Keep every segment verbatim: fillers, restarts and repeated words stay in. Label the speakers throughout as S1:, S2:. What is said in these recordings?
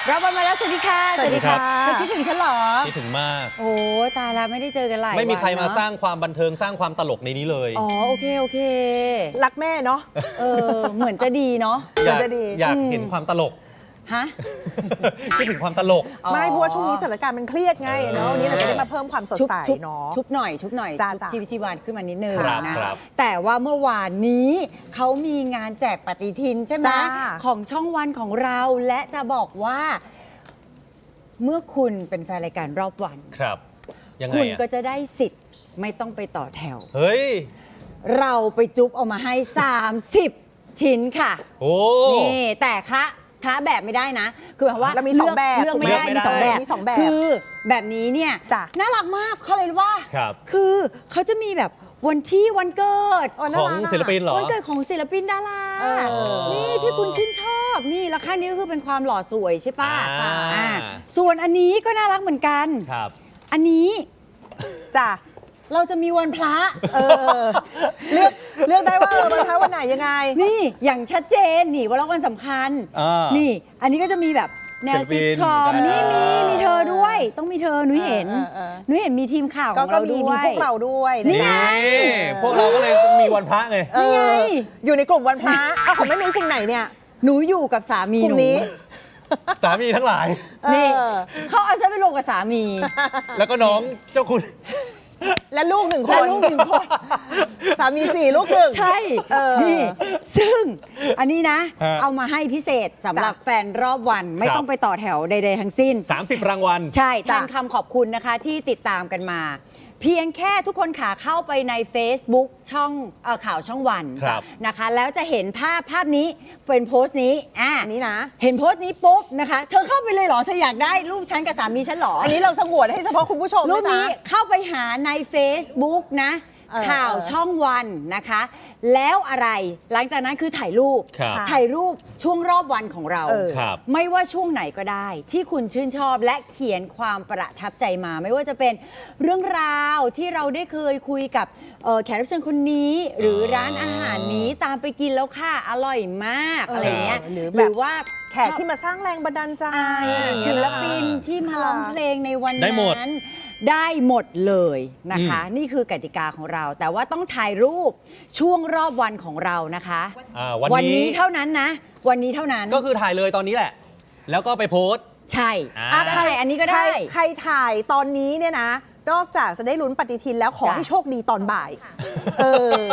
S1: รับวันมาแล้วสวัสดีค่ะสวัสดีค่ะเธอคิดถึงฉันหรอ
S2: คิดถึงมาก
S1: โอ้ตายแล้วไม่ได้เจอกันหลายวัน
S2: ไม่มีใครมาสร้างความบันเทิงสร้างความตลกในนี้เลย
S1: อ๋อโอเคโอเค
S3: รักแม่เนาะ
S1: เออเหมือนจะดีเนาะ
S2: อยากอยากเห็นความตลก
S1: ฮะ
S2: คิดถึงความตลก
S3: ไม่เพราะว่าช่วงนี้สถานการณ์มันเครียดไงเนาะวันนี้เราจะได้มาเพิ่มความสดใสเนาะ
S1: ชุบหน่อยชุบหน่อยชีวิตชีวาขึ้นมานิดนึงนะ
S2: แต่
S1: ว่าเมื่อวานนี้เขามีงานแจกปฏิทินใช่ไหมของช่องวันของเราและจะบอกว่าเมื่อคุณเป็นแฟนรายการรอบวัน
S2: ครับยังไง
S1: คุณก็จะได้สิทธิ์ไม่ต้องไปต่อแถว
S2: เฮ้ย
S1: เราไปจุ๊บเอามาให้สามสิบชิ้นค่ะ
S2: โอ้
S1: นี่แต่คะคละแบบไม่ได้นะคือหมายว่า
S3: เรามีสองแบบ
S1: เลือกไม่ได้มีสองแบบ
S3: มีสองแบบ
S1: คือแบบนี้เนี่ยน่ารักมากเขาเลยว่าคือเขาจะมีแบบวันที่วันเกิด
S2: ของศิลปินเหรอ
S1: วันเกิดของศิลปินดารานี่ที่คุณชื่นชอบนี่แล้วข้างนี้ก็คือเป็นความหล่อสวยใช่ป่ะส่วนอันนี้ก็น่ารักเหมือนกัน
S2: ครับ
S1: อันนี้
S3: จ้ะ
S1: เราจะมีวันพระ
S3: เออเลือกเลือกได้ว่าวันพระวันไหนยังไง
S1: นี่อย่างชัดเจนนี่วันละวันสำคัญนี่อันนี้ก็จะมีแบบแนวซิทคอมนี่มีมีเธอด้วยต้องมีเธอนุ้ยเห็นนุ้ยเห็นมีทีมข่าวของเราด้วย
S3: มีพวกเราด้วย
S1: นี่ไง
S2: พวกเราก็เลยต้องมีวันพระไง
S1: นี่ไง
S3: อยู่ในกลุ่มวันพระเอาของแม่นุ้ยกลุ่มไหนเนี่ย
S1: หนูอยู่กับสามีหนู
S2: สามีทั้งหลาย
S1: นี่เขาเอาฉันไปลงกับสามี
S2: แล้วก็น้องเจ้าคุณ
S3: และลูกหนึ่งคน
S1: และลูกหนึ่งคน
S3: สามีสี่ลูกหนึ่ง
S1: ใช่นี่ซึ่งอันนี้นะเอามาให้พิเศษสำหรับแฟนรอบวันไม่ต้องไปต่อแถวใดๆทั้งสิ้น
S2: สามสิบรางวัล
S1: ใช่แทนคำขอบคุณนะคะที่ติดตามกันมาเพียงแค่ทุกคนขาเข้าไปใน Facebook ช่องเอ่อข่าวช่องวันนะคะแล้วจะเห็นภาพภาพนี้เป็นโพสต์นี้อ่ะ
S3: นี้นะ
S1: เห็นโพสต์นี้ปุ๊บนะคะเธอเข้าไปเลยเหรอเธออยากได้รูปฉันกับสามีฉันเหรอ
S3: อันนี้เราสงวนให้เฉพาะคุณผู้ชม
S1: รูปนี้เข้าไปหาใน Facebook นะข่าวช่องวันนะคะแล้วอะไรหลังจากนั้นคือถ่ายรูปถ่ายรูปช่วงรอบวันของเราไม่ว่าช่วงไหนก็ได้ที่คุณชื่นชอบและเขียนความประทับใจมาไม่ว่าจะเป็นเรื่องราวที่เราได้เคยคุยกับแขกรับเชิญคนนี้หรือร้านอาหารนี้ตามไปกินแล้วค่ะอร่อยมากอะไรเงี้ยหรือว่า
S3: แขกที่มาสร้างแรงบันดาลใจ
S1: ศิลปินที่มาร้องเพลงในวันนั้นได้หมดเลยนะคะนี่คือกติกาของเราแต่ว่าต้องถ่ายรูปช่วงรอบวันของเรานะคะวันนี้เท่านั้นนะวันนี้เท่านั้น
S2: ก็คือถ่ายเลยตอนนี้แหละแล้วก็ไปโพสต์
S1: ใช่ใครอันนี้ก็ได้
S3: ใครถ่ายตอนนี้เนี่ยนะนอกจากจะได้ลุ้นปฏิทินแล้วขอให้โชคดีตอนบ่ายเออ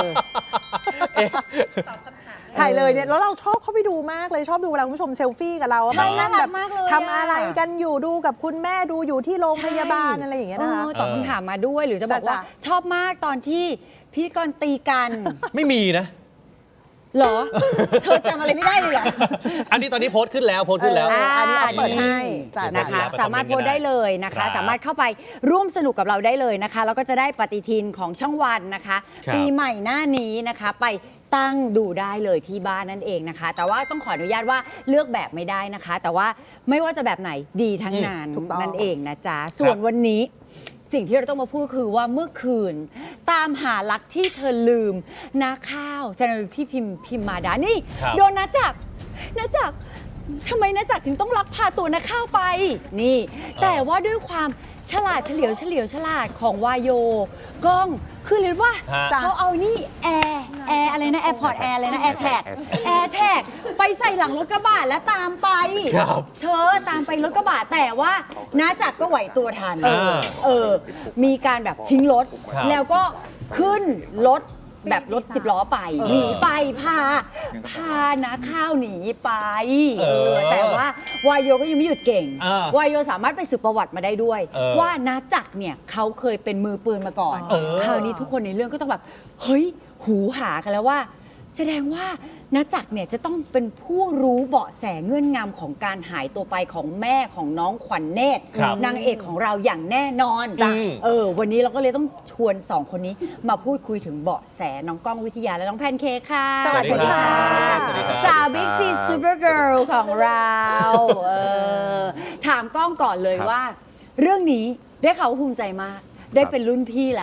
S3: ถ่ายเลยเนี่ยแล้วเราชอบเข้าไปดูมากเลยชอบดูเวลาคุณผู้ชมเซลฟี่กับเรา
S1: ใช่น่ารักมากเลย
S3: ทำอะไรกันอยู่ดูกับคุณแม่ดูอยู่ที่โรงพยาบาลอะไรอย่างเงี้ยนะคะ
S1: ตอบคำถามมาด้วยหรือจะบอกว่าชอบมากตอนที่พิธีกรตีกัน
S2: ไม่มีนะ
S1: หรอเธอจำอะไรไม่ได้เลยเหรอ
S2: อันนี้ตอนนี้โพสต์ขึ้นแล้วโพสต์ขึ้นแล้ว
S1: อันนี้เปิดให้นะคะสามารถโพสต์ได้เลยนะคะสามารถเข้าไปร่วมสนุกกับเราได้เลยนะคะแล้วก็จะได้ปฏิทินของช่องวันนะคะปีใหม่หน้านี้นะคะไปตั้งดูได้เลยที่บ้านนั่นเองนะคะแต่ว่าต้องขออนุญาตว่าเลือกแบบไม่ได้นะคะแต่ว่าไม่ว่าจะแบบไหนดีทั้งนั้นนั่นเองนะจ๊ะส่วนวันนี้สิ่งที่เราต้องมาพูดคือว่าเมื่อคืนตามหารักที่เธอลืมนาข้าวแซนด์พี่พิมพิมมาดานี่โดนนะจักนะจักทำไมนะจักถึงต้องลักพาตัวนาข้าวไปนี่แต่ว่าด้วยความฉลาดเฉลียวเฉลียวฉลาดของวายโยกล้องคือเรียกว่าเขาเอานี่แอร์แอร์อะไรนะแอร์พอร์ตแอร์อะไรนะแอร์แท็กแอร์แท็กไปใส่หลังรถกระบะแล้วตามไปเธอตามไปรถกระบะแต่ว่าน้าจักก็ไหวตัวทันเออมีการแบบทิ้งรถแล้วก็ขึ้นรถแบบรถสิบล้อไปหนีไปพาพานะข้าวหนีไปเออแต่ว่าวายโยก็ยังไม่หยุดเก่งวายโยสามารถไปสืบประวัติมาได้ด้วยว่านาจักเนี่ยเขาเคยเป็นมือปืนมาก่อนคราวนี้ทุกคนในเรื่องก็ต้องแบบเฮ้ยหูหากันแล้วว่าแสดงว่านาจักเนี่ยจะต้องเป็นผู้รู้เบาะแสเงื่อนงำของการหายตัวไปของแม่ของน้องขวัญเนตรนางเอกของเราอย่างแน่นอนเออวันนี้เราก็เลยต้องชวนสองคนนี้มาพูดคุยถึงเบาะแสน้องก้องวิทยาและน้องแพนเค้กค่ะ
S2: สวัสดีค่ะ
S1: สาวบิ๊กซีซูเปอร์เกิร์ลของเราเออถามก้องก่อนเลยว่าเรื่องนี้ได้เขาภูมิใจมากได้เป็นรุ่นพี่แล้ว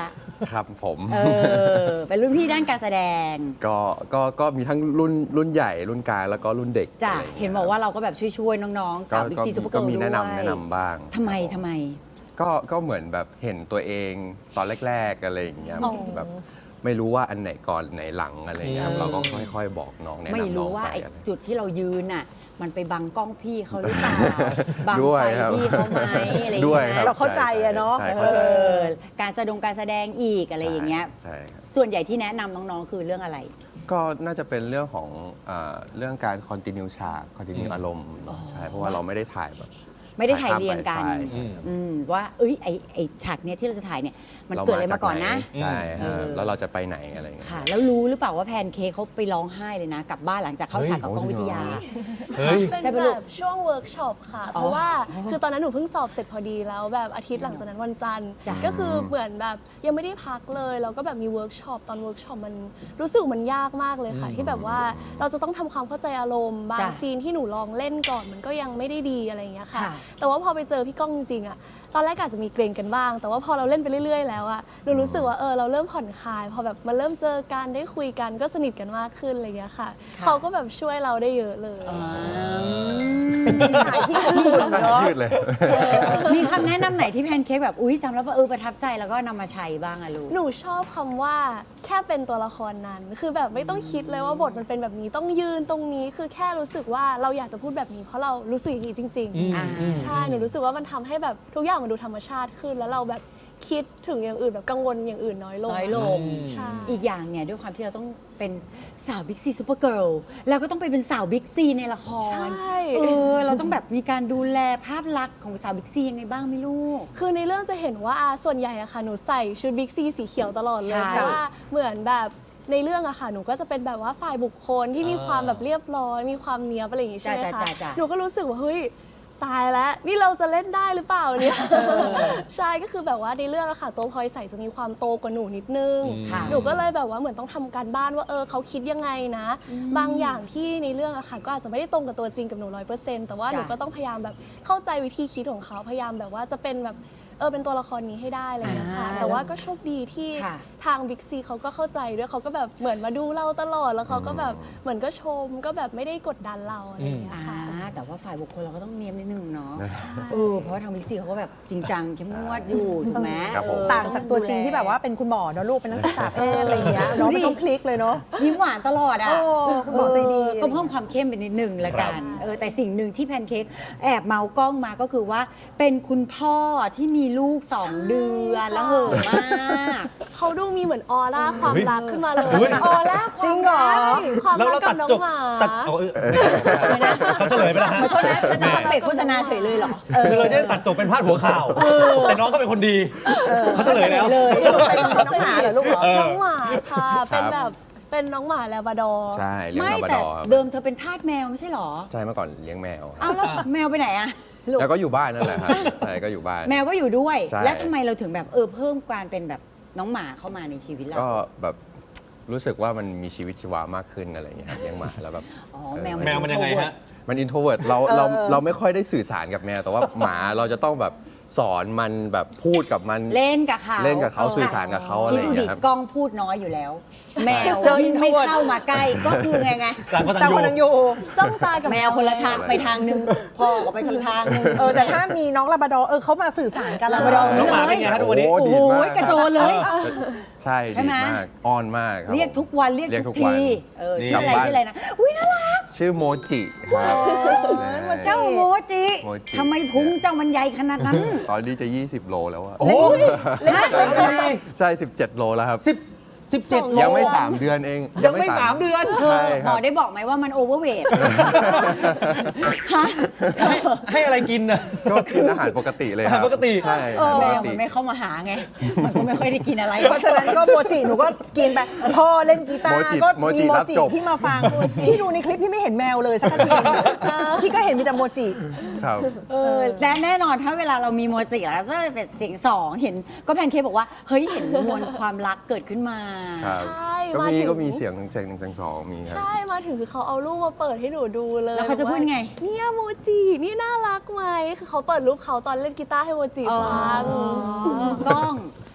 S4: ครับผม
S1: เออเป็นรุ่นพี่ด้านการแสดง
S4: ก็ก็ก็มีทั้งรุ่นรุ่นใหญ่รุ่นกลางแล้วก็รุ่นเด็ก
S1: จ้ะ
S4: อะไรย่งงี้ย
S1: เห็นบอกว่าเราก็แบบช่วยๆน้องๆ
S4: ก็
S1: สาวบิ๊ก
S4: ก็
S1: ซีซูเปอร์เกิ
S4: ก็
S1: ร์ล
S4: มี
S1: ด้วย
S4: แนะนำแนะนำบ้าง
S1: ทำไม
S4: ครับผ
S1: ทำไม
S4: ก็ก็เหมือนแบบเห็นตัวเองตอนแรกๆอะไรอย่างเงี้ย
S3: อ๋อ
S4: แบบไม่รู้ว่าอันไหนก่อนอันไหนหลังอะไรอย่างเงี้ย
S2: อืม
S4: เราก็ค่อยๆบอกน้องแนะนำน้อง
S1: ไม่รู้ว่า
S4: ไป
S1: ไอ้
S4: อะไร
S1: จุดที่เรายืนน่ะ มันไปบังกล้องพี่เขาหรือเปล่า บัง
S4: ด้ว
S1: ไฟ
S4: ยครับ
S1: พี่เขาไหมอะไรอย่าง
S4: ด้วย
S1: เงี้
S4: ครั
S1: ย
S4: บ
S3: เราเข้าใจอะเนาะ
S4: ใช่
S1: เอ
S4: เข้าใจ
S1: อการแสดงการแสดงอีกอะไรอย่างเงี้ย
S4: ใช่ครับ
S1: ส่วนใหญ่ที่แนะนำน้องๆ คือเรื่องอะไร
S4: ก็น่าจะเป็นเรื่องของอ่าเรื่องการคอนติเนียฉากคอนติเนียอารมณ์ใช่เพราะว่าเราไม่ได้ถ่ายแบบ
S1: ไม่ได้ถ่ายเรียงกัน
S4: ใช่
S2: อืม
S1: อืมว่าเอ้ยไอไอฉากเนี้ยที่เราจะถ่ายเนี่ยมันเกิดอะไรมาก่อนนะ
S4: ใช่
S1: เออ
S4: ฮะแล้วเราจะไปไหนอะไรอย่างเงี้ย
S1: ค่ะ แล้วรู้หรือเปล่าว่าแพนเค้กเขาไปร้องไห้เลยนะ กลับบ้านหลังจากเข้า
S2: เฮ้ย
S1: ฉากกับกล้องวิทยา
S2: เฮ้ย
S5: เป็น
S1: ใช่ปะ
S5: แบ
S1: ลูก
S5: บช่วงเวิร์กช็อปค่ะ
S1: อ๋อ
S5: เพราะว่าคือตอนนั้นหนูเพิ่งสอบเสร็จพอดีแล้วแบบอาทิตย์หลังจากนั้นวันจันทร์
S1: จ้ะ
S5: ก็คือเหมือนแบบยังไม่ได้พักเลยแล้วก็แบบมีเวิร์กช็อปตอนเวิร์กช็อปมันรู้สึกมันยากมากเลยค่ะ ที่แบบว่าเราจะต้องทำความเข้าใจอารมณ์บาง
S1: จ้ะ
S5: ซีนที่หนูลองเล่นก่อนมันก็ยังไม่ได้ดีอะไรอย่างเงี้ยค่ะ
S1: ค่ะ
S5: แต่ว่าพอไปเจอพี่ก้องจริงๆอะตอนแรกอาจจะมีเกรงกันบ้าง แต่ว่าพอเราเล่นไปเรื่อยๆแล้วอะหนูรู้สึกว่าเออเราเริ่มผ่อนคลายพอแบบมาเริ่มเจอกันได้คุยกันก็สนิทกันมากขึ้นอะไรอย่างเงี้ยค่ะ เขาก็แบบช่วยเราได้เยอะเลย
S1: อ่า
S3: พี่ชายที่อบอุ่นเนาะ
S4: ยืดเลย
S1: มีคำแนะนำไหนที่แพนเค้กแบบอุ้ยจำแล้วว่าเออประทับใจแล้วก็นำมาใช้บ้างอะลูก
S5: หนูชอบคำว่าแค่เป็นตัวละครนั้น คือแบบไม่ต้องคิดเลยว่าบทมันเป็นแบบนี้ต้องยืนตรงนี้คือแค่รู้สึกว่าเราอยากจะพูดแบบนี้เพราะเรารู้สึกอย่างนี้จริง
S2: อืม
S1: อ่า
S2: อืม
S5: ๆ ใช่หนูรู้สึกว่ามันทำให้แบบทุกอย่างมันดูธรรมชาติขึ้น แล้วเราแบบคิดถึงอย่างอื่นแบบกังวลอย่างอื่นน้อยลง
S1: น้อยลง
S5: ใช่
S1: อีกอย่างเนี่ยด้วยความที่เราต้องเป็นสาวบิ๊กซีซูเปอร์เกิร์ลแล้วก็ต้องไปเป็นสาวบิ๊กซีในละคร
S5: ใช่
S1: เออเราต้องแบบมีการดูแลภาพลักษณ์ของสาวบิ๊กซียังไงบ้างไหม่ลูก
S5: คือในเรื่องจะเห็นว่าอ่าส่วนใหญ่อะค่ะหนูใส่ชุดบิ๊กซีสีเขียวตลอดเลย
S1: ใช่
S5: เพราะว่าเหมือนแบบในเรื่องอะค่ะหนูก็จะเป็นแบบว่าฝ่ายบุคคลที่มีความแบบเรียบร้อยมีความเนียบอะไรอย่างงี้ใช่ไหม
S1: จ้ะ
S5: คะ
S1: จ้ะจ้ะ
S5: หนูก็รู้สึกว่าเฮ้ยตายแล้วนี่เราจะเล่นได้หรือเปล่าเนี่ยใช่ก็คือแบบว่าในเรื่องอะค่ะตัวพลอยใส่จะมีความโตกว่าหนูนิดนึง
S1: ค่ะ
S5: หนูก็เลยแบบว่าเหมือนต้องทำการบ้านว่าเออเขาคิดยังไงนะ บางอย่างที่ในเรื่องอะค่ะก็อาจจะไม่ได้ตรงกับตัวจริงกับหนูร้อยเปอร์เซ็นต์แต่ว่าหนู
S1: จ้ะ
S5: ก็ต้องพยายามแบบเข้าใจวิธีคิดของเขาพยายามแบบว่าจะเป็นแบบเออเป็นตัวละครนี้ให้ได้อะไรอย่างเงี้ยค่ะ
S1: อ่า
S5: แต่ว่าก็โชคดีที่
S1: ค่ะ
S5: ทางบิ๊กซีเขาก็เข้าใจด้วยเขาก็แบบเหมือนมาดูเราตลอดแล้วเขาก็แบบเหมือนก็ชมก็แบบไม่ได้กดดันเราอะไรอย่างเงี้ย
S1: อ่า
S5: ค่ะ
S1: แต่ว่าฝ่ายบุคคลเราก็ต้องเนียมนิดนึงเนาะเออเพราะว่าทางบิ๊กซีเขาก็แบบจริงจังเข้มงวดอยู่ถูกไหม
S4: ครับผม
S1: เออ
S3: ต่างจากตัวจริงที่แบบว่าเป็นคุณหมอเนอะลูกเป็นนักศึกษาแพทย์อะไรอย่างเงี้ยเนาะไม่ต้องพลิกเลยเนาะ
S1: ยิ้มหวานตลอดอ่ะ
S3: โอ้คุณหมอใจดี
S1: เออก็เพิ่มความเข้มไปนิดนึงละกันเออแต่สิ่งหนึ่งที่แพนเค้กแอบเมาส์กล้องมาก็คือว่าเป็นคุณพ่อที่มีลูกสองเดือนแล้วเหอะมาก
S5: เขาดูมีเหมือนออร่าความรักขึ้นมาเลย
S2: เฮ้ย
S1: ออร่าควา
S3: จริ
S1: ม
S3: งเหรอ
S5: ใช่ความ
S2: แล้ว
S5: รั
S2: เรา
S5: ก
S2: ตั
S5: กั
S2: ด
S5: บน้อง
S2: จบ
S5: หมา
S2: ตัดเอาเออเขาเฉลยไปแล้วฮะ
S1: ขอโทษนะจะมาเบรกโฆษณาเฉยเลยเหรอ
S2: คือเราจะได้ตัดจบเป็นพาดหัวข่าว แต่น้องก็เป็นคนดี เขาเฉลยแล้ว
S1: เลย
S3: เป็นน้องหมาเหรอลูกเหรอ
S2: เออ
S5: น้องหมาค่ะ เป็นแบบเป็นน้องหมาแลบราดอร์
S4: ใช่เลี้ยง
S1: ไม่
S4: ลาบรา
S1: แต่
S4: ดอร์ครับ
S1: เดิมเธอเป็นทาสแมวไม่ใช่เหรอ
S4: ใช่เมื่อก่อนเลี้ยงแมว
S1: เอาแล้วแมวไปไหนอะลูก
S4: แล้วก็อยู่บ้านนั่นแหละครับใช่ก็อยู่บ้าน
S1: แมวก็อยู่ด้วย
S4: ใช่
S1: แล้วทำไมเราถึงแบบเออเพิ่มการเป็นแบบน้องหมาเข้ามาในชีวิตเรา
S4: ก็แบบรู้สึกว่ามันมีชีวิตชีวามากขึ้นอะไรอย่างเงี้ยครับเลี้ยงหมาแล้วแบบ
S1: อ๋อ
S4: เออ
S1: แมว
S2: แมวมันยังไงฮะ
S4: มันอินโทรเวิร์ดเราเราเราไม่ค่อยได้สื่อสารกับแมว แต่ว่าหมาเราจะต้องแบบสอนมันแบบพูดกับมัน
S1: เล่นกับเขา
S4: เล่นกับเขาสื่อสารกับเขาอะไร
S1: ที่
S4: อ
S1: ดู
S4: ย่าง
S1: ดิ
S4: เงี้ยครับ
S1: กล้องพูดน้อยอยู่แล้ว แมว
S3: เจอ
S1: ยิ่งไม่
S3: introvert
S1: เข้ามาใกล้ก็คือไงไง
S2: ต่างคน
S3: แต่
S2: ต่าง
S3: คนยัง
S2: อ
S3: อยู่ ยู่
S5: จ้องตากับ
S1: แมวคนละทางไปทางหนึ่งพ่อก็ไปทีทางหนึ่ง
S3: เออแต่ถ้ามีน้องลาบราดอร์เออเขามาสื่อสารกัน
S1: ลาบราดอร์
S2: น้องหมาเป็นไงฮะทุกวันนี้
S4: โอ้
S1: โอ้
S4: ดี
S1: โห
S4: มาก
S1: กระโจนเลย
S4: ใช่
S1: ใช่
S4: ดี
S1: ไหม
S4: มากอ้อนมากครับ
S1: เรียกทุกวันเรียก
S4: เรียก
S1: ทุ
S4: ทุ
S1: ก
S4: กวัน
S1: ทีเออ
S2: นี่
S1: ชื่ออะไรชื่ออะไรนะอุ้ยน่ารัก
S4: ชื่อโมจิครับ
S1: เจ้าโมจิ
S4: โมจิ
S1: ทำไมพุงเจ้ามันใหญ่ขนาดนั้น
S4: ตอนนี้จะ ยี่สิบ โลแล้วอะ
S2: โอ้โห
S1: ฮะ
S4: ใช่ สิบเจ็ด โลแล้วครับ
S2: สิบสิบเจ็ดโล
S4: ยังไม่ สาม เดือนเอง
S2: ยังไม่สามเดือน
S1: เธอ
S4: ใช่
S1: ห
S4: ค
S1: ม
S4: รั
S1: อบ ได้บอกไหมว่ามันโอเวอร์เวทฮะ
S2: ให้ให้อะไรกินน่ะ
S4: ก็กินอาหารปกติเลยครับ
S2: อาหารปกติ
S4: ใช่
S1: เออ
S4: อา
S1: แม
S4: หารปก
S1: วมั
S4: ติ
S1: นไม่เข้ามาหาไง มันก็ไม่ค่อยได้กินอะไร
S3: เพราะฉะนั้นก็โมจิหนูก็กินไปพ่อเล่นกีตา
S4: โม
S3: ร์
S4: จิ
S3: ก็
S4: โม
S3: มี
S4: จิ
S3: โม
S4: รับ
S3: จิ
S4: จบ
S3: ที่มาฟังพี่ดูในคลิปพี่ไม่เห็นแมวเลยสักทีพี่ก็เห็นมีแต่โมจิ
S4: ครับ
S1: เออและแน่นอนถ้าเวลาเรามีโมจิแล้วก็เป็นเสียงสองเห็นก็แพนเค้กบอกว่าเฮ้ยเห็นมวลความรักเกิดขึ้นมา
S4: ครับ
S5: ใช่
S4: ก็
S5: มา
S4: มี
S5: ถึง
S4: ก็มีเสียงหนึ่งเสียงหนึ่งเสียงสองมีครับ
S5: ใช่มาถึงคือเขาเอารูปมาเปิดให้หนูดูเลย
S1: แล้วเขาจะพูดไง
S5: เนี่ยโมจินี่น่ารักไหมคือเขาเปิดรูปเขาตอนเล่นกีตาร์ให้โมจิฟัง
S1: กล้อง ถ้า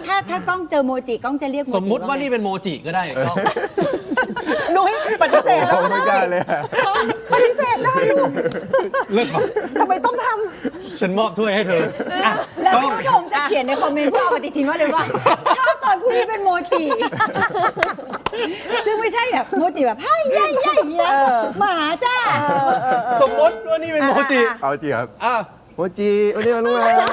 S1: ถ้าถ้ากล้องเจอโมจิกล้องจะเรียกโมจิ
S2: สมมุติว่านี่
S1: ไง
S2: เป็นโมจิก็ได้ก็
S3: นุ้ยปฏิเสธ
S4: โอ้ไม่ได้เลยอะ
S3: ปฏิเสธได้ลูก
S2: เลิศป่ะ
S3: ทำไมต้องท
S2: ฉันมอบถ้วยให้เธออ่ะ
S1: แล้ว
S2: กล้อง
S1: คุณผู้ชมจะเขียนในคอมเมนต์เพื่อเอาปฏิทินว่าเลยว่าชอบตอนผู้นี้เป็นโมจิซึ่งไม่ใช่แบบโมจิแบบให้ย่ายย่ายเงี้ยหมาจ้า
S2: สมมติว่านี่เป็นโมจิ
S4: เอาจริงครับ
S2: อ่ะ
S4: โมจิวันนี้มาลูกนะ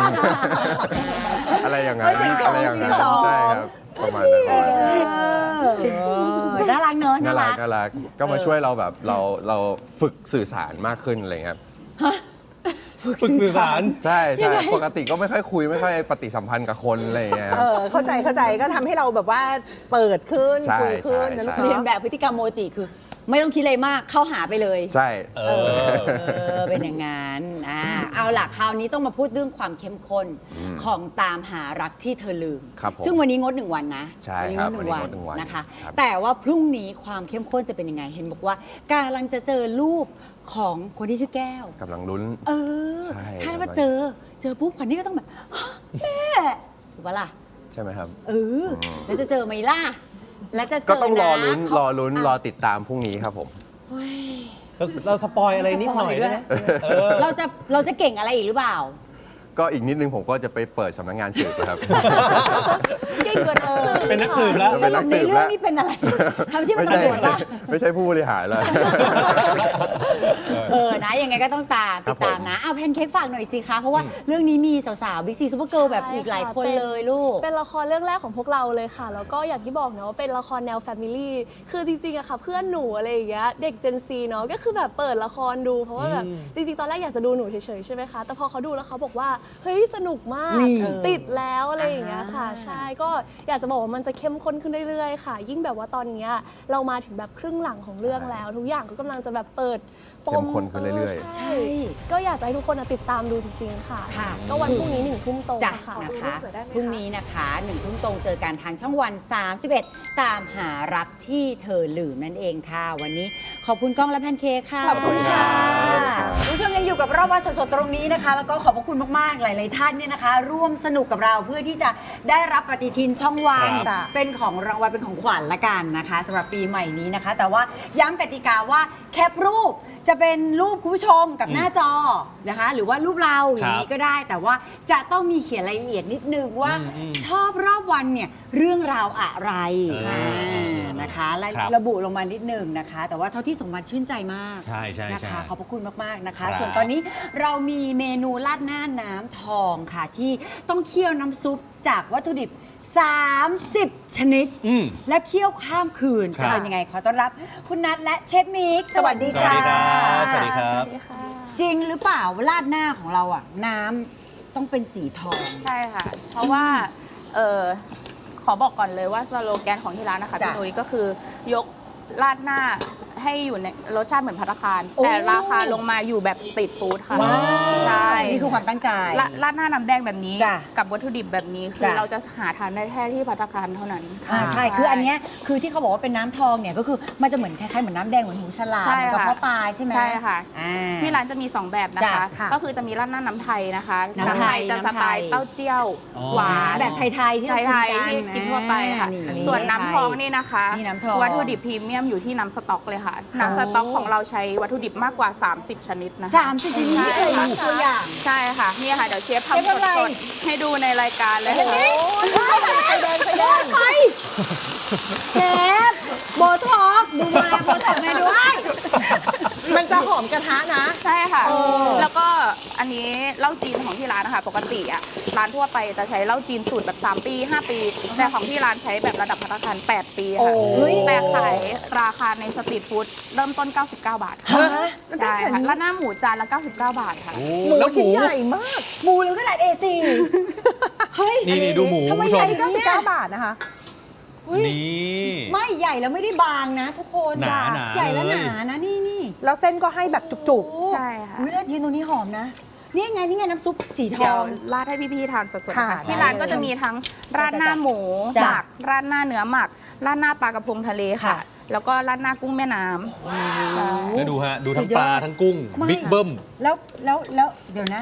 S4: อะไรอย่างนั้นอะไรอย่างนั้นใช่ครับประมาณนั้นประมาณนั้น
S1: เออน่ารักเนอะ
S4: น่า
S1: น่า
S4: รั
S1: รั
S4: ก
S1: ก
S4: น่ารักก็มาช่วยเราแบบเราเราฝึกสื่อสารมากขึ้นอะไรเงี้ยครับ
S2: ฝึกสื่อสาร
S4: ใช่ใช่ปกติก็ไม่ค่อยคุยไม่ค่อยปฏิสัมพันธ์กับคนอะไรอย่างเงี้ย
S3: ำเออเข้าใจเข้าใจก็ทำให้เราแบบว่าเปิดขึ้น
S4: ใช่
S3: คุยขึ้น
S4: ใช่
S3: นะลูก
S4: ใช่
S1: เรียน
S3: เนาะ
S1: แบบพฤติกรรมโมจิคือ ไม่ต้องคิดอะไรมากเข้าหาไปเลย
S4: ใช่
S2: เออ
S1: เออเป็นอย่างนั้นอ่าเอาล่ะคราวนี้ต้องมาพูดเรื่องความเข้มข้นของตามหารักที่เธอลืม
S4: ครับผม
S1: ซึ่งวันนี้งดหนึ่งวันนะ
S4: ใช่
S1: วันี้
S4: ครั
S1: ง
S4: บ
S1: ดหนึ่ง
S4: วั
S1: วัน
S4: นนี้งดหนึ่งวัน
S1: นะคะ
S4: ครับ
S1: แต่ว่าพรุ่งนี้ความเข้มข้นจะเป็นยังไง เห็นบอกว่ากำลังจะเจอรูปของคนที่ชื่อแก้ว
S4: กำลังลุ้น
S1: เออ
S4: ใช่
S1: คาดว่าเจอ เจอปุ๊บขวัญนี่ก็ต้องแบบฮะแม่ถูกปะล่ะ
S4: ใช่ไหมครับ
S1: เออแล้วจะเจอไหมล่ะแล้วจะเจอ
S4: ก็ต้องรอลุ้น
S1: นะ
S4: รอลุ้นรอติดตามพรุ่งนี้ครับผม
S2: เราเราสปอยอะไรนิดหน่อยได้ไหมเออ
S1: เราจะเราจะเก่งอะไรอีกหรือเปล่า
S4: ก็อีกนิดนึงผมก็จะไปเปิดสำนักงานสืบนะครับ
S5: เก่งกว่านักสืบ
S2: เป็นนักสืบแล้ว
S4: เออเป็นนักสืบ
S1: ใน
S4: แล้
S1: เรื่อ
S4: ว
S1: งนี้เป็นอะไรทำชื่อเป็
S4: ไม่
S1: น
S4: ใช่
S1: ตำรวจป่ะ
S4: ไม่ใช่ผู้บริหารแล้ว
S1: เออนะยังไงก็ต้องตาม
S4: ครั
S1: ติ
S4: บ
S1: ดตาม
S4: ผม
S1: นะเอาแพนเค้กฝากหน่อยสิคะเพราะว่าเรื่องนี้มีสาวๆบิ๊กซีซูเปอร์เกิร์ลแบบอีกหลายคนเลยลูก
S5: เป็นละครเรื่องแรกของพวกเราเลยค่ะ แล้วก็อย่างที่บอกเนาะว่าเป็นละครแนวแฟมิลี่คือจริงๆอะค่ะเพื่อนหนูอะไรอย่างเงี้ยเด็ก Gen Z เนาะก็คือแบบเปิดละครดูเพราะว่าแบบจริงๆตอนแรกอยากจะดูหนูเฉยๆใช่ไหมคะแต่พอเขาดูแล้วเขาบอกว่าเฮ้ยสนุกมาก
S1: นี่
S5: ติดแล้วอะไรอย่างเงี้ยค่ะ ใช่ก็อยากจะบอกว่ามันจะเข้มข้นขึ้นเรื่อยๆค่ะ ยิ่งแบบว่าตอนเนี้ยเรามาถึงแบบครึ่งหลังของเรื่องแล้ว ทุกอย่างก็กำลังจะแบบเปิดป
S4: เข้
S5: ม
S4: มข้นขึ้นเรื่อยๆ
S5: ใช่ก็อยากจะให้ทุกคนอะติดตามดูจริงๆค่ะ
S1: ค่ะ
S5: ก็วันพรุ่งนี้หนึ่งทุ่มตรง
S1: จ้ะ
S5: ค่ะ
S1: นะคะพรุ่งนี้นะคะหนึ่งทุ่มตรงเจอกันทางช่องวัน สามสิบเอ็ด ตามหารักที่เธอลืมนั่นเองค่ะ วันนี้ขอบคุณก้องและแพนเค้กค่ะ
S3: ขอบคุณค่ะ
S1: คุณผู้ชมยังอยู่กับรอบวันสดๆตรงนี้นะคะ แล้วก็ขอบพระคุณมากๆหลายๆท่านเนี่ยนะคะ ร่วมสนุกกับเราเพื่อที่จะได้รับปฏิทินช่องวัน
S2: ครับ
S1: เป็นของรางวัลเป็นของขวัญละกันนะคะสำหรับปีใหม่นี้นะคะ แต่ว่าย้ำกติกาว่าแคปรูปจะเป็นรูปคุณผู้ชมกับหน้าจอนะคะ หรือว่ารูปเราอย่างนี้ก็ได้ แต่ว่าจะต้องมีเขียนรายละเอียดนิดนึงว่า
S2: อืมอืม
S1: ชอบรอบวันเนี่ยเรื่องราวอะไร
S2: อ่า
S1: อ่านะคะและ
S2: ครับ
S1: ระบุลงมานิดนึงนะคะ แต่ว่าเท่าที่สมบัติชื่นใจมาก
S2: ใช่ใช่
S1: นะ
S2: ใช่
S1: คะขอบพระคุณมากๆนะคะ
S2: ครับ
S1: ส่วนตอนนี้เรามีเมนูราดหน้าน้ำทองค่ะ ที่ต้องเคี่ยวน้ำซุปจากวัตถุดิบ สามสิบ ชนิด
S2: อืม
S1: และเคี่ยวข้ามคืน
S2: ครั
S1: จะ
S2: บ
S1: เป็นยังไงขอต้อนรับคุณนัทและเชฟมิก
S3: สวัสดี
S2: สวัส
S3: ค่ะ
S2: ดีครับ สวัสดีครับ
S1: จริงหรือเปล่าว่าราดหน้าของเราอ่ะ น้ำต้องเป็นสีทอง
S6: ใช่ค่ะ เพราะว่าเออขอบอกก่อนเลยว่าสโลแกนของที่ร้านนะคะ
S1: จ้ะ
S6: พี่นุ้ยก็คือยกราดหน้าให้อยู่ในรสชาติเหมือนภัตตาคาร
S1: โอ้
S6: แต่ราคาลงมาอยู่แบบสตรีทฟู้ดค่ะ
S1: ว้าว
S6: ใช่
S1: นี่คือความตั้งใจ
S6: ราราดหน้าน้ำแดงแบบนี้
S1: จ้ะ
S6: กับวัตถุดิบแบบนี้คือ
S1: จ้ะ
S6: เราจะหาทานได้แค่ที่ภัตตาคารเท่านั้น
S1: อ่าใช่ คืออันเนี้ยคือที่เขาบอกว่าเป็นน้ำทองเนี่ยก็คือมันจะเหมือนคล้ายๆเหมือนน้ำแดงเหมือนหูฉลาม
S6: ใช่
S1: เหมือนกับ
S6: ค่ะ
S1: พ่อปลาใช่ไหม
S6: ใช่ค่ะ
S1: อ่า
S6: ที่ร้านจะมี สอง แบบนะคะ
S1: จ้ะค่ะ
S6: ก็คือจะมีราดหน้าน้ำไทยนะคะ
S1: น้ำไทย
S6: จะ
S1: น้ำไทย
S6: สไตล์เต้าเจี้ยว
S2: อ๋อ
S6: หวาน
S1: แบบไทยๆที่เรา
S6: ไท
S1: กิน
S6: ย
S1: กัน
S6: ๆที่กินทั่วไปค่ะ
S1: อ่า
S6: ส่วนน้ำทองนี่นะคะ
S1: นี่น้ำทอง
S6: วัตถุดิบพรีเมียมอยู่ที่น้ำสต๊อกเลยค่ะ น้ำสต๊อกของเราใช้วัตถุดิบมากกว่า สามสิบ ชนิดนะคะ
S1: สามสิบชนิดนี่เลยมีตัวอย่าง
S6: ใช่ค่ะ นี่ค่ะ เดี๋ยวเชฟ
S1: เชฟ
S6: ทำ
S1: อะไร
S6: สดๆให้ดูในรายการเลยค่ะ
S1: ไปเดินไปเดินไปเชฟโบท็อกดูมาโบท็อกมาด้วย
S3: มันจะหอมกระทะนะ
S6: ใช่ค่ะ แล้วก็อันนี้เหล้าจีนของที่ร้านนะคะ ปกติอ่ะร้านทั่วไปจะใช้เหล้าจีนสูตรแบบ สาม ปี ห้า ปี แต่ของที่ร้านใช้แบบระดับภัตตาคาร แปด ปี
S3: โอ้
S6: ค่ะแต่ขายราคาในสตรีทฟู้ดเริ่มต้น เก้าสิบเก้า บาทค่ะใช่ค่ะแล้วหน้าหมูจานละ เก้าสิบเก้า บาทค่ะ
S2: โอ้
S3: หมู
S2: แล้วห
S3: ชิ้น
S2: มู
S3: ใหญ่มาก
S1: หมูหรือกระดาษ เอ โฟร์ เฮ้ย
S2: นี่นี่ดูหมู
S1: ทำไม
S2: คุณผู้ช
S1: ใหญ่
S2: ม
S1: จัง
S3: เก้าสิบ
S1: เนี่ย
S3: เก้า บาทนะคะ
S1: เฮ้ย
S2: นี่
S1: ไม่ใหญ่แล้วไม่ได้บางนะทุกคน
S2: หนาหนา
S1: ใหญ่แล้ว
S2: เล
S1: ห
S2: ย
S1: นานะนี่นี่
S3: แล้วเส้นก็ให้แบบจุก
S6: ใช่ค่ะ
S1: อุ้ยแล้วยืนตรงนี้หอมนะ นี่ไงนี่ไงน้ำซุปสีท
S6: เดี๋ย
S1: อ
S6: ว
S1: ง
S6: ราดให้พี่ๆทานสดๆ
S3: ค่ะ
S6: ค่ะ ที่
S3: ได้
S6: ร้านก็
S3: เลย
S6: จะมีทั้งราดหน้าหมู
S1: จ้ะ
S6: หมักราดหน้าเนื้อหมักราดหน้าปลากระพงทะเลค่ะ
S1: ค่ะ
S6: แล้วก็ราดหน้ากุ้งแม่น้ำใช่
S2: แล้วดูฮะ ดูทั้ง
S1: สุดยอด
S2: ปลาทั้งกุ้ง
S1: มาก
S2: บิ๊กเบิ้ม
S1: แล้วแล้วแล้วเดี๋ยวนะ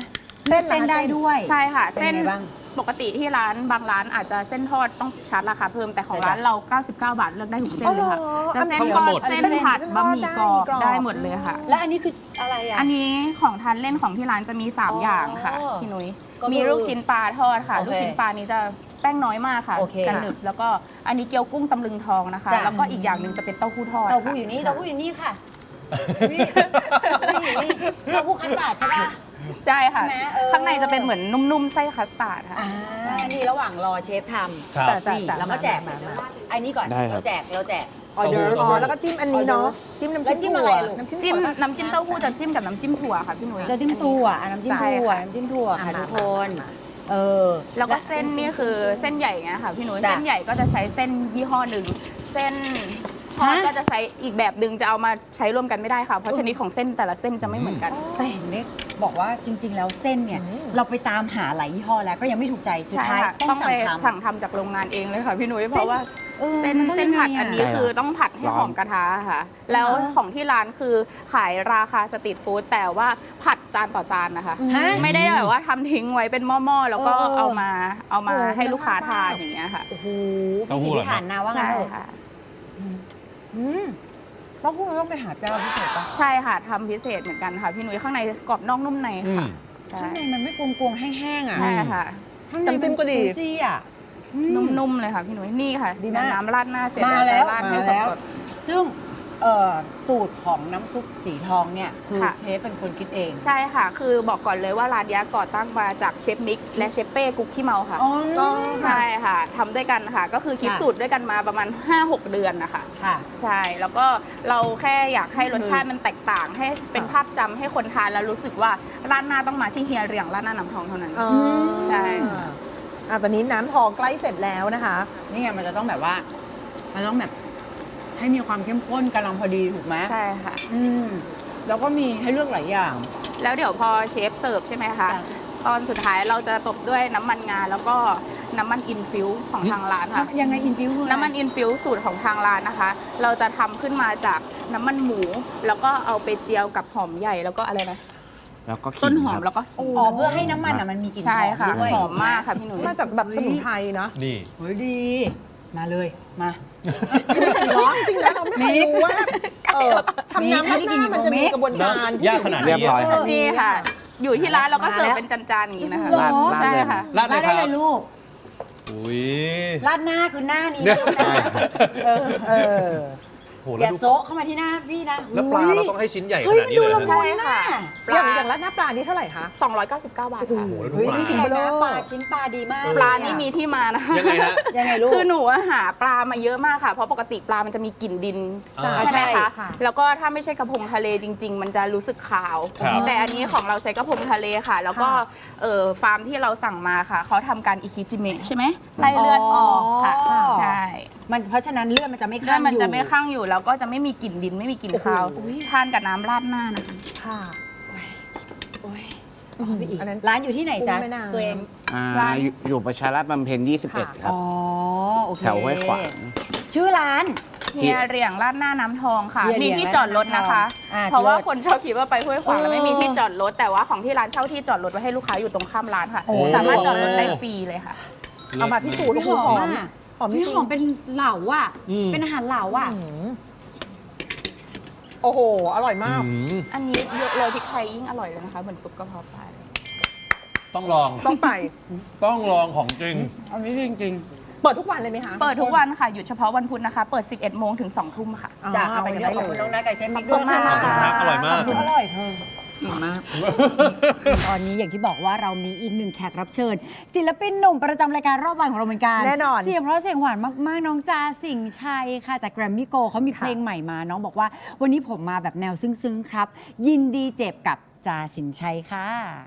S3: เส้น
S1: เส้นได้ด้วย
S6: ใช่ค่ะ
S1: เป็น
S6: เส้น
S1: ไงบ้าง
S6: ปกติที่ร้านบางร้านอาจจะเส้นทอดต้องชาร์จราคาเพิ่มแต่ของ
S1: จ้ะ
S6: ร้านเรา เก้าสิบเก้า บาทเลือกได้ทุกเส้นเลยค่ะ
S3: อ๋อเหรอ
S6: จะเส้น
S2: ทั้ง
S6: ทอ
S2: หม
S6: ด
S2: ด
S6: เส้นผัด
S3: เส้นท
S6: บะ
S3: อด
S6: หมี่กรอบ
S3: ได้
S6: ได้หมดเลยค่ะ
S1: แล้วอันนี้คืออะไรอ่ะ
S6: อันนี้ของทานเล่นของที่ร้านจะมี
S1: อ๋อ
S6: สาม อย่างค่ะพี่นุ้ย
S1: ก็คือ
S6: มีลูกชิ้นปลาทอดค่ะ
S1: โอเค
S6: ลูกชิ้นปลานี้จะแป้งน้อยมากค่ะ
S1: โอเค
S6: จะหนึบแล้วก็อันนี้เกี๊ยวกุ้งตำลึงทองนะคะ
S1: จ้ะ
S6: แล้วก็อีกอย่างหนึ่งจะเป็นเต้าหู้ทอด
S1: เต้าหู้
S6: ค่ะ
S1: อยู่นี่เต้าหู้อยู่นี่ค่ะนี่เต้าหู้อยู่นี่เต้าหู้คัสตาร์ดใช่ปะ
S6: ใช่ค่ะ
S1: ใช่ไหมเออ
S6: ข้างในจะเป็นเหมือนนุ่มๆไส้คัสตาร์ดค่ะ
S1: อ่านี่ระหว่างรอเชฟทำ
S2: ครับ
S3: จ้ะ
S1: นี่
S3: จ้ะ
S1: เราก็แจก
S3: มามามา
S1: ไอ้นี่ก่อน
S4: ได้ครับ
S1: เราแจกเราแจกออเดอร์
S2: เต้า
S3: อ๋อ
S2: หู้
S3: แล้วก็จิ้มอันนี้เนาะจิ้มน้ำ
S1: แล้วจิ้
S3: จิ้
S1: ม
S3: ม
S1: อะไร
S3: ถั่ว
S1: ลูก
S3: น้ำ
S6: จิ้ม
S3: จิ้มถั่ว
S6: น้ำจิ้มเต้าหู้จะจิ้มกับน้ำจิ้มถั่วค่ะพี่นุ้ย
S1: จะจิ้มถั่วอ่ะน้ำจิ้ม
S6: ใช่
S1: ถั่ว
S6: ค่ะ
S1: น้ำจิ้มถั่วค่ะ
S3: อ่ะ
S1: ทุก
S3: มา
S1: คน
S3: มา
S1: เออ
S6: แล้วก็เส้นนี่คือเส้นใหญ่ไงค่ะพี่นุ้ย
S1: จ้ะ
S6: เส้นใหญ่ก็จะใช้เส้นยี่ห้อหนึ่งเส้นทอด
S1: ฮะ
S6: ก็จะใช้อีกแบบหนึ่งจะเอามาใช้ร่วมกันไม่ได้ค่ะเพราะชนิดของเส้นแต่ละเส้นจะไม่เหมือนกัน
S1: แต่เห็นเล็กบอกว่าจริง ๆ แล้วเส้นเนี่ย เราไปตามหาหลายยี่ห้อแล้วก็ยังไม่ถูกใจสุด
S6: ใช่
S1: ท้าย
S6: ค่ะ
S1: ต้
S6: ต้
S1: อ
S6: อง ง
S1: สั่
S6: ไป
S1: งทำ
S6: สั่งทำจากโรงงานเองเลยค่ะพี่นุ้ยเพราะว่า
S1: ออ
S6: เส้น
S1: มัต้อง
S6: เส้น
S1: ยังไง
S6: ผัดอันนี้
S4: ใช่ครับ
S6: คือต้องผัดให้หอมกระทะค่ะ แล้วของที่ร้านคือขายราคาสตรีทฟู้ดแต่ว่าผัดจานต่อจานนะคะ
S1: ฮะ
S6: ไม่ได้แบบว่าทำทิ้งไว้เป็นหม้อๆแล้วก็
S1: เออเออ
S6: เอามาเอามา
S3: โอ้
S6: ให้ลูกค้าทาน
S3: น่าทาน
S6: อย่างเงี้ยค่ะ
S1: โอ้โห
S2: เต้าหู้
S1: พิ
S2: เหรอ
S1: ถีพิถันนะว่างั้น
S6: ใช่
S1: เถอะ
S6: ค่ะ
S3: อืมต้องพูดต้องไปหาเจ้าพิเศษปะ
S6: ใช่ค่ะทำพิเศษเหมือนกันค่ะพี่นุ้ยข้างในกรอบนอกนุ่มใน
S2: อื
S6: ค่ะ
S2: ม
S6: ใช่
S1: ข้างในมันไม่กวงๆแห้งๆอ่ะ
S6: ใช่ค่ะ
S1: ข้างใน
S3: น้ำจิ้มก็ดี
S1: น juicy อ่ะอืม
S6: นุ่มๆเลยค่ะพี่นุ้ยนี่ค่ะ
S1: ดีมาก
S6: น้ำราดหน้าเสร็จ
S1: มาแล้ว
S6: จะราดให้
S1: มาแล้ว
S6: สด
S1: ซึ่งเอ่อสูตรของน้ำซุปสีทองเนี่ยคือ
S6: ค่ะ
S1: เชฟเป็นคนคิดเอง
S6: ๆใช่ค่ะ คือบอกก่อนเลยว่าร้านนี้ก่อตั้งมาจากเชฟมิกและเชฟเป้กุ๊กขี้เมาค่ะ
S1: อ๋อ
S3: ก็
S6: ใช่ค่ะทำด้วยกันค่ะ ก็คือคิด
S1: ค่ะ
S6: สูตรด้วยกันมาประมาณ ห้าหก เดือนนะคะ
S1: ค่ะ
S6: ใช่แล้วก็เราแค่อยากให้รสชาติมันแตกต่าง ให้เป็นภาพจำให้คนทานแล้วรู้สึกว่าร้านหน้าต้องมาที่เฮียเรียงร้านหน้าน้ำทองเท่านั้น
S3: อ๋อ
S6: ใช่
S3: อ่ะตอนนี้น้ำทองใกล้เสร็จแล้วนะคะ
S1: นี่ไงมันจะต้องแบบว่า มันต้องแบบให้มีความเข้มข้นกำลังพอดีถูกไหม
S6: ใช่ค่ะ
S1: อืมแล้วก็มีให้เลือกหลายอย่าง
S6: แล้วเดี๋ยวพอเชฟเสิร์ฟใช่ไหมคะ
S1: จ้ะ
S6: ตอนสุดท้ายเราจะตบด้วยน้ำมันงาแล้วก็น้ำมันอินฟิวของทางร้านค่ะ
S1: ยังไงอินฟิวคืออะไร
S6: น้ำมันอินฟิวสูตรของทางร้านนะคะ เราจะทำขึ้นมาจากน้ำมันหมู แล้วก็เอาไปเจียวกับหอมใหญ่แล้วก็อะไรนะ
S4: แล้วก็ขิง
S6: ต้นหอม
S4: ครับ
S6: แล้วก็
S1: อ๋อเพื่อให้น้ำมันอ่ะมันมีกลิ่นห
S6: ใช่
S1: อม
S6: ค่ะ
S1: ด้วย
S6: หอมมากค่ะพี่หนุ่ย
S3: มาจากแบบสมุนไพรเนาะ
S2: นี่
S1: เฮ้ยดี มาเลยมา
S3: ร้อนจริงแล้วเราไม่เคยรู้ว่าเออทำน้ำ
S1: ไม่
S3: รา
S1: ได้
S3: ดห
S1: กิน
S3: น้ามันจะมี
S1: โมเมะ
S3: กระบวนการ
S2: ยากขนาดนี้
S4: เรียบร้อยครับ
S6: นี่ค่ะ อยู่ที่ร้านเราก็
S1: มา
S6: เสิร์ฟ
S1: แล้ว
S6: เป็นจานๆอย่างนี้นะคะ
S1: หรอ
S6: ใช่ค่ะ
S2: ราดเลย
S1: ได้
S2: ค
S1: เล
S2: รับ
S1: ยลูก
S2: อุ้ย
S1: ราดหน้าคือหน้านี้นะลูกนะเออ
S3: เออ
S2: โห
S1: อ
S2: แล้ว
S1: ย่า
S2: ดู
S1: โซะเข้ามาที่หน้าพี่นะ
S2: แล้วปลา
S1: ฮ้ย
S2: เราต้องให้ชิ้นใหญ่ข
S1: เฮ้ย
S2: นาดนี้เลย
S1: มันดูละมุ
S2: นะ
S6: ใช่ค่ะป
S3: อย่าง
S6: ลา
S3: อย่างราดหน้าปลานี่เท่าไหร่คะ
S6: สองร้อยเก้าสิบเก้า บาทค่ะ
S2: โอ้โหแล้วดู
S1: เฮ้ย
S2: ปลา
S1: พี่แพงนะปลาชิ้นปลาดีมาก
S6: ปลานี่มีที่มานะคะ
S2: ยังไงฮะ
S1: ยังไงลูก
S6: คือหนูอะหาปลามาเยอะมากค่ะ เพราะปกติปลามันจะมีกลิ่นดิน
S2: อ่า
S6: ใช่ไหม
S1: ใช่
S6: คะ
S3: ค่ะ
S6: แล้วก็ถ้าไม่ใช่กระพงทะเลจริง ๆ มันจะรู้สึกขาว
S2: ครับ
S6: แต่อันนี้ของเราใช้กระพงทะเลค่ะ แล้วก็เอ่อฟาร์มที่เราสั่งมาค่ะ เขาทำการอิคิจิเมะใช่ไหมไล่เลือดออกค่ะ
S1: อ๋อ
S6: ใช่
S1: มันเพราะฉะนั้นเลือดมันจะไม่
S6: เลื
S1: ข้า
S6: อง ด
S1: อยู่
S6: มันจะไม่ข้างอยู่ แล้วก็จะไม่มีกลิ่นดินไม่มีกลิ่นคาว
S3: โอ้โห
S6: ทานกับน้ำราดหน้านะคะ
S3: ค่ะ
S1: โอ้ยเอาไปอีก
S3: อันนั้น
S1: ร้านอยู่ที่ไหนจ๊ะ
S3: กุ้งแม่น้ำ
S1: ตัวเอง
S4: อ่า
S6: ร้าน
S4: อยู่อยู่ประชารัฐบำเพ็ญยี่สิบเอ็ด ครับ
S1: อ๋อโอเค
S4: แถวห้วยขวาง
S1: ชื่อร้าน
S6: เฮียเหรียงราดหน้าน้ำทองค่ะ
S1: เฮียเหรี
S6: มี
S1: ยง
S6: ที่จอดรถนะคะ
S1: อ่า
S6: เพราะว่า
S1: เลิศ
S6: คนชอบคิดว่าไปห้วยขวางแล้วไม่มี
S1: เออ
S6: ที่จอดรถ แต่ว่าของที่ร้านเช่าที่จอดรถไว้ให้ลูกค้าอยู่ตรงข้ามร้านค่ะ
S1: โอ้
S6: สามารถจอดรถได้ฟรีเลยค่ะ
S3: เอามาพิสูจน์
S1: พี่ห
S3: ห
S1: อ
S3: อ
S1: ม
S3: ม
S1: อ่ะ
S3: หอมจ
S1: พี่
S3: ริง
S1: หอมเป็นเหล่าอ่ะ
S2: อืม
S1: เป็นอาหารเหล่าอ่ะ
S3: อืมโอ้โห อร่อยมาก
S2: อืม
S6: อันนี้เยอะเลยพริกไทยยิ่งอร่อยเลยนะคะ เหมือนซุปกระเพาะปลาเลย
S2: ต้องลอง
S3: ต้องไป
S2: ต้องลองของจริง
S1: อันนี้จริง
S3: เปิดทุกวันเลยไหมคะ
S6: เปิดทุกวันค่ะ หยุดเฉพาะวันพุธนะคะ เปิด สิบเอ็ดโมงถึงสองทุ่มค่ะ
S3: อ๋อ
S1: ๆจ้ะ
S3: เอา
S1: เอา
S3: ไป
S1: ไป
S3: กัน
S1: ได้
S3: ได้
S1: ขอบคุณ
S3: เล
S1: น้อง
S3: ย
S1: นัทกับเชฟมิก
S6: ข
S1: ด้
S6: อ
S1: ว
S6: บ
S1: ย
S6: คุณมาก
S1: ค่ะ
S6: ค่ะ
S2: อร่อยมาก
S1: อร่อยเธอเก่งมาก ตอนนี้อย่างที่บอกว่าเรามีอีกหนึ่งแขกรับเชิญ ศิลปินหนุ่มประจำรายการรอบวันของเราเหมือนกัน
S3: แน่นอน
S1: เสียงเพราะเสียงหวานมากๆ น้องจาสิงห์ชัยค่ะจากแกรมมี่โกเขามีเพลงใหม่มา น้องบอกว่าวันนี้ผมมาแบบแนวซึ้งๆครับ ยินดีเจ็บกับจาสิงห์ชัยค่ะ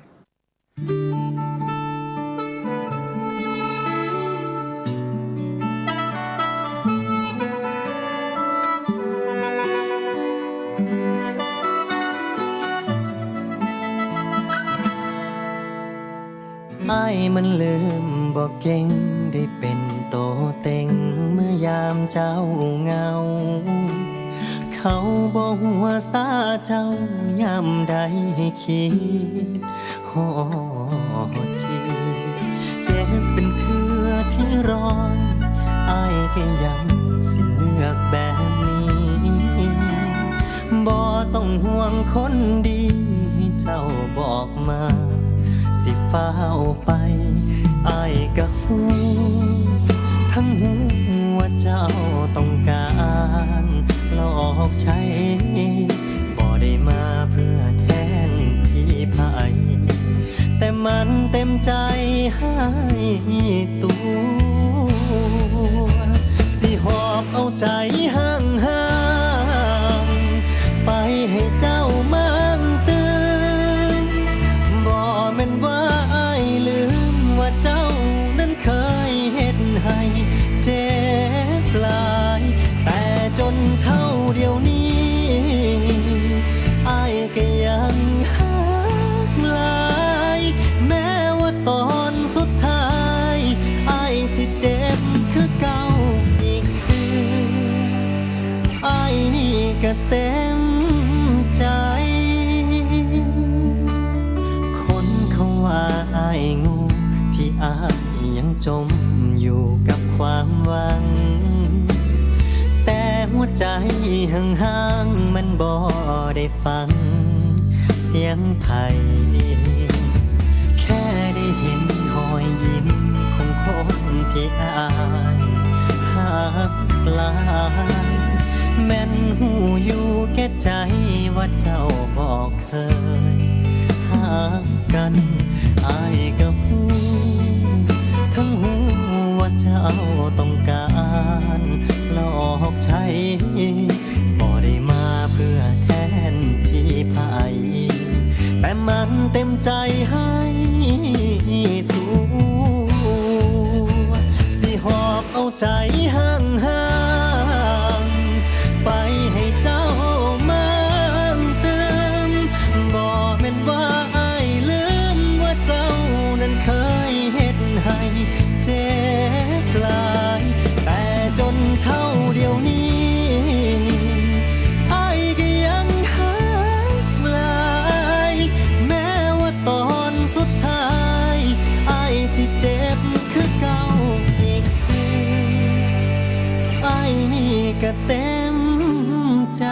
S7: ไอ้ายมันลืมบอกเก่งได้เป็นโตเต็งเมื่อยามเจ้าเหงา เขาบอกหัวซาเจ้ายามใดให้คิดฮอก็ยังสิเลือกแบบนี้บ่ต้องห่วงคนดีเจ้าบอกมาสิฟ้าวไปอ้ายก็ฮู้ทั้งหูว่าเจ้าต้องการหลอกใช้บ่ได้มาเพื่อแทนที่ไผแต่มันเต็มใจให้ตัวสิหอบเอาใจห่างห่างไปให้เจ้ามันตื่นบ่แม่นว่าอ้ายลืมว่าเจ้านั้นเคยเฮ็ดให้เจ็บหลายแต่จนเท่าเดียวนี้อ้ายก็ยังหักหลายแม้ว่าตอนสุดท้ายอ้ายสิเจ็บคือเก่าอีกคืออ้ายนี่ก็เต็มใจคนเขาว่าอ้ายงูที่อ้ายยังจมอยู่กับความหวังแต่หัวใจห่างๆมันบ่ได้ฟังเสียงไทยแค่ได้เห็นรอยยิ้มของคนที่อ้ายหักหลายแม่นหูอยู่แก่ใจว่าเจ้าบอกเคยหักกันอ้ายก็หูทั้งหูว่าเจ้าต้องการหลอกใช้บ่ได้มาเพื่อแทนที่ไผแต่มันเต็มใจให้ตัวสิหอบเอาใจห่างห่างไปให้เจ้ามันเติมบ่แม่นว่าอ้ายลืมว่าเจ้านั้นเคยเฮ็ดให้เจ็บหลายแต่จนเท่าเดียวนี้อ้ายก็ยังหักหลายแม้ว่าตอนสุดท้ายอ้ายสิเจ็บคือเก่าอีกทีอ้ายนี่ก็เต็มใจ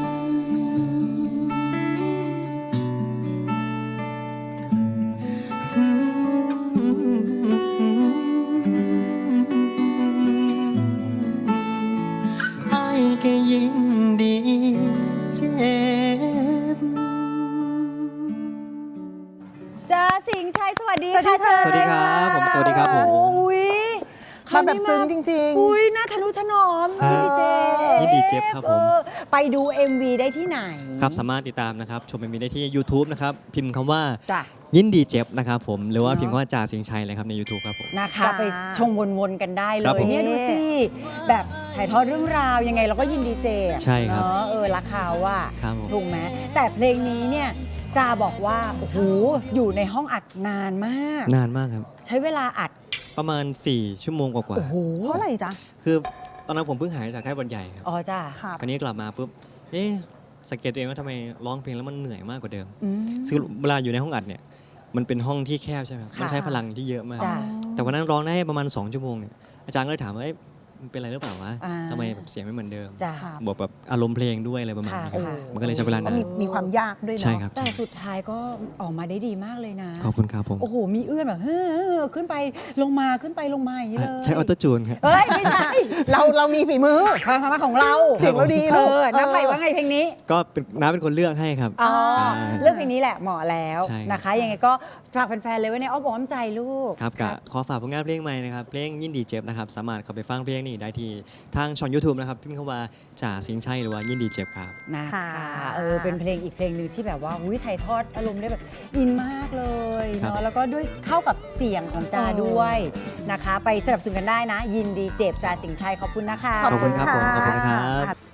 S7: อ้ายก็ยิ่งดีเจ็บ
S1: จ้าสิงห์ชัยสวัสดีค่ะเชิญ
S8: สวัสดีครับผมสวัสดีครับผม
S1: อุ้ย
S3: มาแบบซึ้งจริงๆ
S1: อุ้ยน่าทะนุถนอม
S8: อ่า
S1: พี่เจ
S8: ยินดีเจฟครับผม
S1: ออไปดู เอ็ม วี ได้ที่ไหน
S8: ครับสามารถติดตามนะครับชมมีได้ที่ YouTube นะครับพิมพ์คำว่า
S1: จ้ะ
S8: ยินดีเจฟนะครับผมหรือว่า
S1: เนอะ
S8: พิมพ์คำว่าจ่าสิงห์ชัยเลยครับใน YouTube ครับผม
S1: นะคะ
S3: จ้า
S1: ไปชมวนๆกันได้เล
S8: ครับ
S1: ย
S8: ผม
S1: เนี่ยดูสิแบบถ่ายทอดเรื่องราวยังไงเราก็ยินดีเจอะ
S8: ใช่ครับ
S1: เนาะเออรักเขาว่า
S8: ครับผม
S1: ถูกไหมแต่เพลงนี้เนี่ยจาบอกว่าโอ้โหอยู่ในห้องอัดนานมาก
S8: นานมากครับ
S1: ใช้เวลาอัด
S8: ประมาณ สี่ ชั่วโมงกว่า
S1: โอ้โห
S3: เพราะอะไรจ๊ะ
S8: ๆคือตอนนั้นผมเพิ่งหายจากไข้หวัดใหญ่ครับ
S1: อ๋อจ้า
S3: ครับ
S8: คราวนี้กลับมาปุ๊บเอ๊ะสังเกตตัวเองว่าทำไมร้องเพลงแล้วมันเหนื่อยมากกว่าเดิม
S1: อืม
S8: ซึ่งเวลาอยู่ในห้องอัดเนี่ยมันเป็นห้องที่แคบใช่ไหมครับ
S1: ค่ะ
S8: มันใช้พลังที่เยอะมาก
S1: จ้ะ
S8: แต่วันนั้นร้องได้ประมาณ สอง ชั่วโมงเนี่ยอาจารย์ก็เลยถามว่าเอ๊ะมันเป็นอะไรหรือเปล่าวะ
S1: อ่า
S8: ทำไมแบบเสียงไม่เหมือนเดิม
S1: จ้า
S3: ค่ะ
S8: บวกแบบอารมณ์เพลงด้วยอะไรประมาณนี้ครับ
S1: ค่ะ
S8: มันก็เลยใช้เวลา
S3: ก็
S8: นาน
S3: มีมีความยากด้วยเนาะ
S8: ใช่ครับ
S1: แต่สุดท้ายก็ออกมาได้ดีมากเลยนะ
S8: ขอบคุณครับผม
S1: โอ้โห มีเอื้อนแบบเฮ้อขึ้นไปลงมาขึ้นไปลงมาอย่างนี้เลย
S8: ใช้ออโต้จูนครับ
S1: เอ้ย ไม่ใช่
S3: เราเรามีฝีมือ
S1: ความสามารถของเรา
S3: เสียงเราดี
S1: เอ
S3: ลูก
S1: อน้าไผ่
S3: เออ
S1: ว่าไงเพลงนี้
S8: ก็เป็นน้าเป็นคนเลือกให้ครับ
S1: อ๋อ
S8: ใช่
S1: เรื่องเพลงนี้แหละเหมาะแล้ว
S8: ใช่
S1: นะคะ ยังไงก็ฝากแฟนๆเลยไว้ในอ้อมอกอ้อมใจลูก
S8: ครับกะขอฝากผลงานเพลงใหม่นะครับ เพลงยินดีเจ็บนะครับ สามารถเข้าไปฟังเพลงนี้ได้ที่ทางช่อง YouTube นะครับ พิมพ์คำว่าจ่าสิงห์ชัยหรือว่ายินดีเจ็บครับ
S1: นะคะ
S3: ค่ะ
S1: เออเป็นเพลงอีกเพลงหนึ่งที่แบบว่าอุ้ยถ่ายทอดอารมณ์ได้แบบอินมากเลย
S8: ครับ
S1: เนาะแล้วก็ด้วยเข้ากับเสียงของจาด้วยนะคะ ไปสนับสนุนกันได้นะ ยินดีเจ็บจาสิงห์ชัยขอบคุณนะคะ
S8: ขอบคุณครับผมขอบคุณครับ
S3: ค่ะ